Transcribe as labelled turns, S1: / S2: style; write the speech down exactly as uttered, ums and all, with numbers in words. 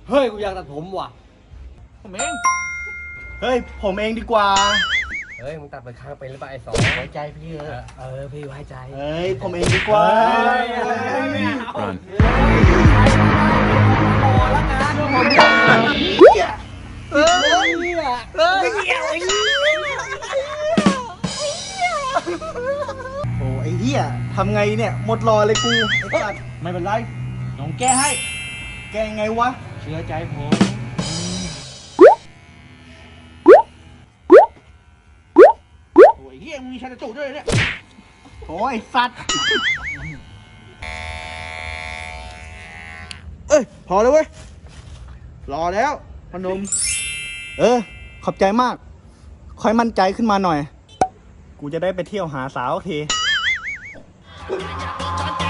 S1: เฮ้ยกูอยากตัดผมว่ะ
S2: ผมเอง
S3: เฮ้ยผมเองดีกว่า
S1: เฮ้ยมึงตัดไปข้างเป็นหรือเปล่าไอ้สองไว้ใจพี่เออเออพี่ไว้ใจ
S3: เฮ้ยผมเองดีกว่า
S4: Run.
S1: เออเออ
S3: โอ้ไอ้เหี้ยทำไงเนี่ยหมดรอเลยกูไอ้สัตว์
S2: ไม่เป็นไรน้องแก้ให้
S3: แกไงวะ
S2: เชื่อใจผมโอ้ยเฮียมึงมีชันจูด้วยเนี่ย
S3: โอ้ยสัตว์
S2: เอ้ยพอเลยเว้ยรอแล้วพนม
S3: เออขอบใจมากค่อยมั่นใจขึ้นมาหน่อย กูจะได้ไปเที่ยวหาสาวที
S5: จ